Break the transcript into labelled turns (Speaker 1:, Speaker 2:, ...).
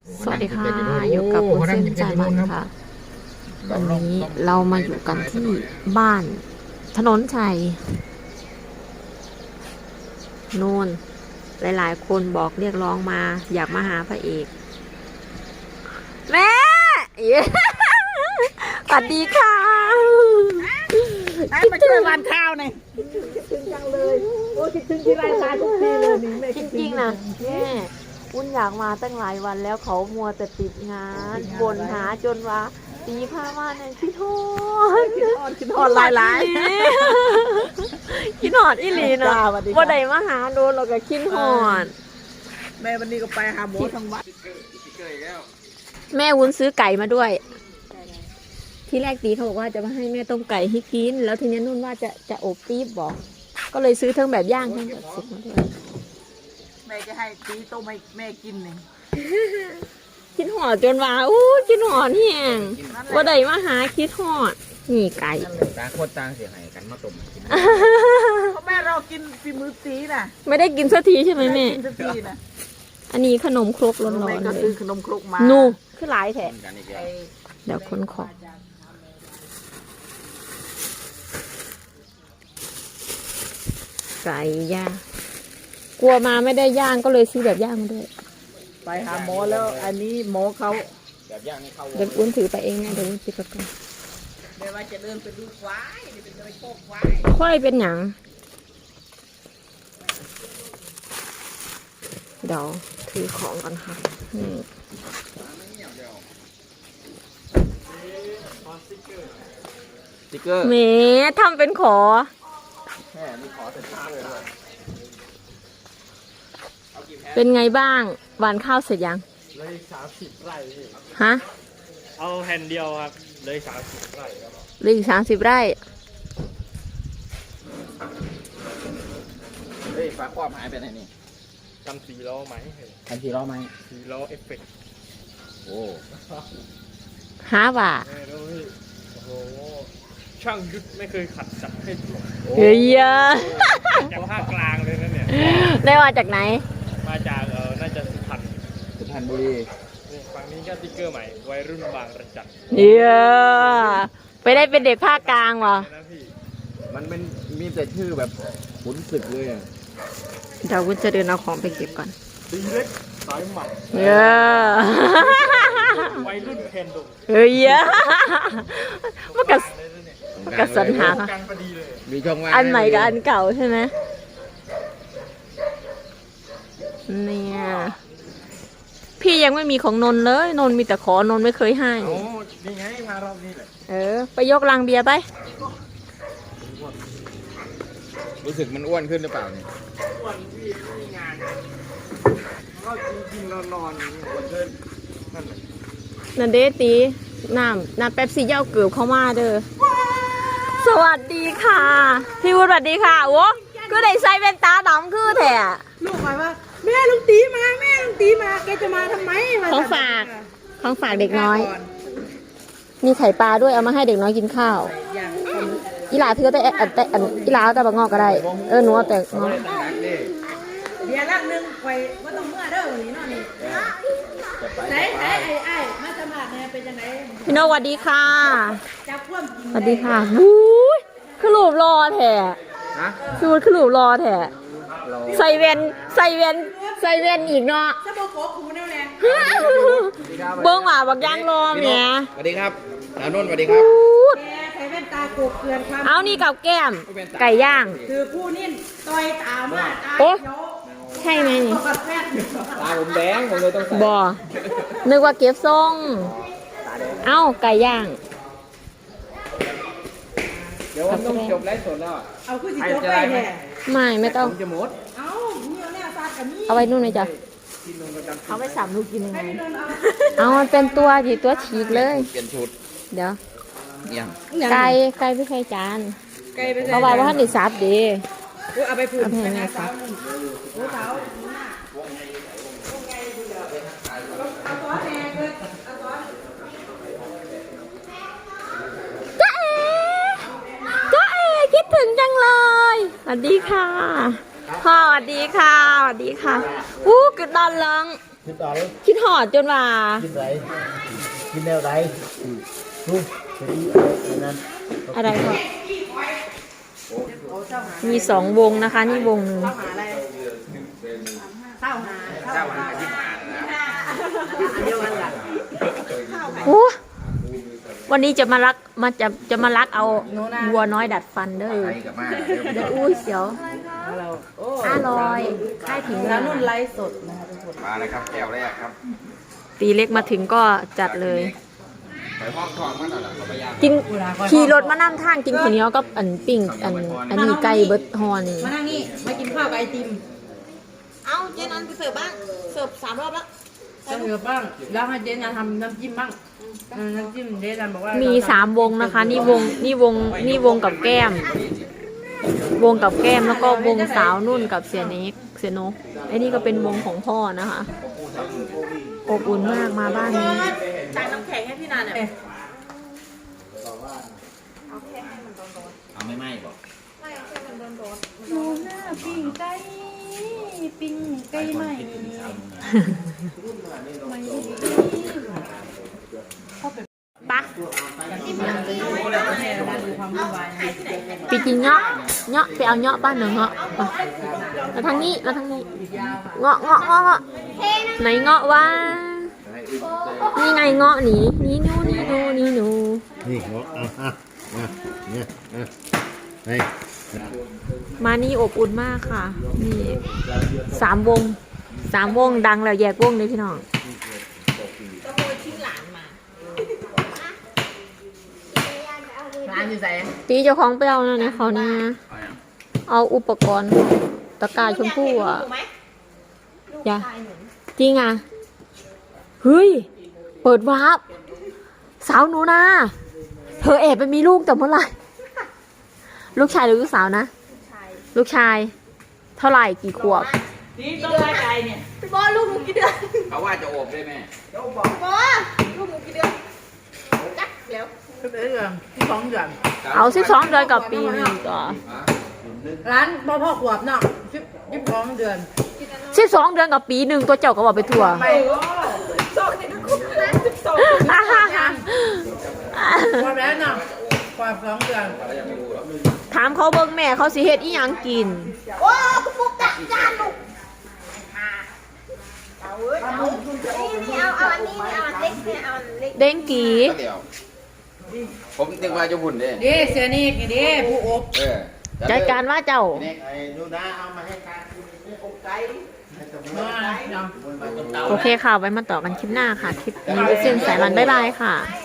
Speaker 1: สวัสดีค่ะอยู่กับคุณเส้นใจมันค่ะวันนี้เรามาอยู่กันที่บ้านถนนชัยโน่นหลายๆคนบอกเรียกร้องมาอยากมาหาพระเอกแม่สวัสดีค่ะ
Speaker 2: มาช่วยวันข้าวหน่อยคิดถึงจังเลยโอ้คิดถึงที่ไรมาทุกทีเลยนี่แม่
Speaker 1: จริงๆนะแม่อุ้นอยากมาตั้งหลายวันแล้วเขามัวแต่ติดงานบ่นหาจนว่าตีผ้ามาเนี่ยคิดฮอด
Speaker 2: คิดอ่อนหลาย
Speaker 1: คิดฮอดอีหลีเนาะว่าใดมาหาโดนเราก็คิดฮอด
Speaker 2: แม่วันนี้ก็ไปหาหมอทางวัด
Speaker 1: แม่วุ้นซื้อไก่มาด้วย ที่แรกตีเขาบอกว่าจะมาให้แม่ต้มไก่ให้กินแล้วทีนี้นุ่นว่าจะอบปี๊บบอกก็เลยซื้อทั้งแบบย่างทั้งแบบสุกมาด้วย
Speaker 2: แม่จะให้ตีต้มให้แม่กินนี่
Speaker 1: คิดหอดจนว่าอู้คิดหอดแห้งว่าใดมาหาคิดหอดนี่ไก่
Speaker 3: ต่างโคตรต่างเสียหายกันมาต้มกิน
Speaker 2: เพราะแม่เรากินฝีมือตีน่ะ
Speaker 1: ไม่ได้กินสักทีใช่ไหมแม่
Speaker 2: กินสักทีนะ
Speaker 1: อันนี้ขนมครกร้อน
Speaker 2: แม่
Speaker 1: ๆ
Speaker 2: ก็
Speaker 1: เล
Speaker 2: ซื้อย ขนมครกมา
Speaker 1: นูคือหลายแถะ
Speaker 3: กันอีกแล้ว
Speaker 1: เดี๋ยวคนขอไก่ย่างกลัวมาไม่ได้ย่างก็เลยซื้อแบบย่างมาด้วย
Speaker 2: ไปหาหมอแล้วอันนี้หมอเขา
Speaker 3: แบบย่างนี่เข้า
Speaker 1: เดี๋ยวอุ้นถือไปเองนะเดี๋ยวอุ้นซื้อไปก่อน
Speaker 2: แม่ว่าจะเดินไปดูควายนี่เป็นอะไรโคกควาย
Speaker 1: ค่อยเป็นหยังเดี๋ยวถือของกันค่ะนี่
Speaker 3: สติ๊กเกอร์
Speaker 1: แหมทำเป็นขอ
Speaker 3: แม่มีขอสติ๊กเกอร์ด้วย
Speaker 1: เป็นไงบ้างหวานข้าวเสร็จยัง
Speaker 4: เลย30 ไร่พี่
Speaker 1: ฮะ
Speaker 4: เอาแผ่นเดียวครับ เลย30 ไร่ครับ
Speaker 1: เหลืออีก30 ไร่
Speaker 3: เฮ้ยฟ้าครอบหายไปไหนนี่
Speaker 4: ทำ4 ล้อไหม
Speaker 3: ทันทีล้อไหม
Speaker 4: 4 ล้อเอฟเฟกต์
Speaker 3: โอ้
Speaker 1: หาว่า
Speaker 4: แม่ดูพี่โอ้โห ช่างยุทธไม่เคยขัดจับให้ตก
Speaker 1: เฮ้ย
Speaker 4: จากภาคกลางเลยนะเนี่ย
Speaker 1: ได้มาจากไหน
Speaker 4: มาจากน่าจะสุพรรณ
Speaker 3: สุพรรณบุรี
Speaker 4: นี่ฝั่งนี้ก็ติ๊กเกอร์ใหม่ วัยรุ่นบางระจัน
Speaker 1: เฮ้ยไปได้เป็นเด็กภาคกลางวะ
Speaker 4: นะพี่
Speaker 3: มันเป็นมีแต่ชื่อแบบขุนศึกเลยอะ
Speaker 1: เดี๋ยววุ้นจะเดินเอาของไปเก็บก่อน
Speaker 4: ตีเล็กสายหมัด
Speaker 1: เฮ้ย
Speaker 4: วัยรุ่นแคนดง
Speaker 1: เฮ้ยมันกระ กระสันหา
Speaker 4: กันพอดีเลย
Speaker 3: มีช่องว่าง
Speaker 1: อันใหม่กับอันเก่าใช่ไหมเนี่ยพี่ยังไม่มีของนนท์เลยนนท์มีแต่ขอนนท์ไม่เคยให้
Speaker 4: โอ้นี่ไงมารอบนี้แหละ
Speaker 1: ไปยกลังเบียร์ไป
Speaker 3: รู้สึกมันอ้วนขึ้นหรือเปล่าเนี่ย
Speaker 4: วันพี่ไม่มีงานก็กินๆนอนๆอย่างนี้วันเดินนั่นแหละ
Speaker 1: นันเดตีน้ำเป๊ปซี่เย้าเกือบเข้ามาเด้อสวัสดีค่ะ พี่วุฒิสวัสดีค่ะโอ้ก็ได้ใส่แว่นตาดำคือแท้
Speaker 2: ลูกหมายว่าแม่ลุงตีมาแม่ลุงตีมาแกจะมาทำไมมา
Speaker 1: ของฝากของฝากเด็กน้อย มีไข่ปลาด้วยเอามาให้เด็กน้อยกินข้าว
Speaker 2: อย่าง
Speaker 1: อีหลาเธอแต่อีหลาเอาแต่บะงอกก็ได้หนูเอาแต่งอก
Speaker 3: นักดิ
Speaker 2: เดี๋ยวละนึงไปว่าต้องเมื่อเด้อวันนี้เนาะนี่
Speaker 3: จะไป
Speaker 2: ไหนไอ้มาสมัครเนี่ยเป็นยังไง
Speaker 1: พี่โนสวัสดีค่ะ
Speaker 2: จับคว่ำกิน
Speaker 1: สวัสดีค่ะบู๊ยคือรูปรอแท้
Speaker 3: ฮะ
Speaker 1: พี่วุฒิคือรูปรอแท้
Speaker 3: เรา
Speaker 1: ใส่แว่นอีกเนาะ
Speaker 2: จะบอกขอคูแน่แน่
Speaker 1: เบิ้งว่าบักย่างรอแหม
Speaker 3: สวัสดีครับสาวนุ่นสวัสดีครับ
Speaker 2: แกใส่แว่นตาโกบเกลือนความ
Speaker 1: เอานี่กับแก้ม ไก่ย่าง
Speaker 2: คือผู้นิ่ต่อยตามาตา
Speaker 1: โอ๊ะ
Speaker 2: เขียว
Speaker 1: ใช่ไหมนี่
Speaker 2: กับแว่น
Speaker 3: ตาผมแดงผมเลยต้องใส่
Speaker 1: บอนึกว่าเก็บทรงเอ้าไก่ย่าง
Speaker 3: เดี๋ยวผมต้องจบไลฟ์สดแล้วอะ
Speaker 2: เอาคือสิโจ๊กไปแน่
Speaker 1: ไม่ต้อง
Speaker 3: ผมจะหมด
Speaker 2: เอาเนี่ยเนี่ยซาดกับนี่
Speaker 1: เอาไว้นู่นเลยจ้ะ
Speaker 3: ที่นุ่นประจำ
Speaker 1: เขาไปสับลูกกินยังไง
Speaker 2: ให้ไปเดินเอา
Speaker 1: เอามันเป็นตัวที่ตัวฉีกเลย
Speaker 3: เปลี่ยนชุด
Speaker 1: เดี๋ยว
Speaker 3: ยัง
Speaker 1: ไก่ไม่ใช่จาน
Speaker 2: ไกลไป
Speaker 1: เพราะว่าท่านได้ซับดี
Speaker 2: เอาไปผืน
Speaker 1: เอาไปให้แม่ซับ
Speaker 2: โอ้เท้าเอาตัวแม่เกิดเอาตัว
Speaker 1: จ้าเอ๋คิดถึงจังเลยสวัสดีค่ะพ่อสวัสดีค่ะสวัสดีค่ะอู้กึดดอนเลิง
Speaker 3: คิดเอา
Speaker 1: คิดหอดจนว่า
Speaker 3: กินไรกินแนวไรนู่นไปดูอันนั้น
Speaker 1: อะไรก็มี2 วงนะคะ นี่วงหนึ่ง
Speaker 2: หาอะไรข้าวหา
Speaker 4: เจ้ามันที่ผ่านนะ
Speaker 2: เดียวกันล่ะ
Speaker 1: โอ้วันนี้จะมาลักเอาวัวน้อยดัดฟันเด้อ
Speaker 4: ไปกับมา
Speaker 1: เดี๋ยวอุ้ยเสียว
Speaker 2: เราโอ้
Speaker 1: 500ค่ายถึง
Speaker 2: แล้วนุ่นไลฟ์สดนะคะทุกคน
Speaker 4: มาเลยครับแก้วแรกครับ
Speaker 1: ตีเล็กมาถึงก็จัดเลย
Speaker 4: ไปห้องทองมันน่ะเขาพยายาม
Speaker 1: กินขี่รถมานั่งทางกินข้าวเหนียวกับอันปิ้งอันนี้ไก่เบิดฮอนี่
Speaker 2: มานั่งนี่มากินข้าวกับไอติม
Speaker 1: เอาเจนันไปเสิร์ฟบ้างเสิร์ฟ3 รอบแล้ว
Speaker 2: จะเหลือบ้างแล้วให้เจนงานทำน้ำจิ้มบ้างน้ำจิ้มเจนันบอกว่า
Speaker 1: มี
Speaker 2: มี
Speaker 1: 3 วงนะคะ นี่วงกับแก้ม วงกับแก้มแล้วก็วงสาวนุ่นกับเสียเนกเสียนกไอ้นี่ก็เป็นวงของพ่อนะคะอบอุ่นมากมาบ้านนี้
Speaker 2: จ่ายน้ำแข็งให้พี่นันเนี่ย
Speaker 3: เอาไม่ไหม้บอก
Speaker 2: หนูหน้าปิ้งไก่ปิ้งไก่ใหม่
Speaker 1: ปะ
Speaker 2: ความวุ่นวาย
Speaker 1: ไปกินเงาะไปเอาเงาะบ้านหนึ่งเงาะมาทางนี้เงาะไหนเงาะวะนี่ไงเงาะนี่นี่หนู
Speaker 3: นี่หัวเนี่ยให้
Speaker 1: มานี่อบอุ่นมากค่ะนี่3 วงดังแล้วแยกวงเลยพี่น้อง
Speaker 2: ร้านอยู่ไหน
Speaker 1: ตีเจ้าของไปเอานะเนี่ยเขาเนี่ยเอาอุปกรณ์ตะกร้าชมพู่อ่ะอย่าจริงอ่ะเฮ้ยเปิดวาร์ปสาวหนูนะเธอแอบไปมีลูกแต่เมื่อไหร่ลูกชายหรือลูกสาวนะลูกชายเท่าไหร่กี่ขวบ
Speaker 2: นี่ต้องไล่ไก่เนี่ย
Speaker 1: พี่บอลลูกหนูกี่เดือน
Speaker 4: เขาว่าจะโอบได้ไหม
Speaker 1: พี่บอลลูกหนูกี่เดือนจักแล้ว
Speaker 2: ก็เป็นเรื่องที่2 เดือน
Speaker 1: เอา12 เดือนกับปีหนึงต่อ
Speaker 2: ร้านพ่อขวบเนาะ12 เดือน
Speaker 1: 12 เดือนกับปีหนึ่งตัวเจ้าก็บอกไปทั่ว
Speaker 2: ไปความแล้วเนาะความ2 เดือน
Speaker 1: ถามเขาเบิ่งแม่เขาสิเฮ็ดอีหยังกิน เด้งกี
Speaker 4: ก็เดี๋ยวผมนึกว่าจะหุ่นเด้
Speaker 2: ดีเสียนี่ดีผู้อบ
Speaker 1: จัดการว่าเจ้า
Speaker 3: ไอ้ดูนะเอามาให้การอบไก่
Speaker 2: เนาะ
Speaker 1: โอเคค่ะ ไว้มาต่อกันคลิปหน้าค่ะ คลิปนี้เส้นสายรันบ๊ายบายค่ะ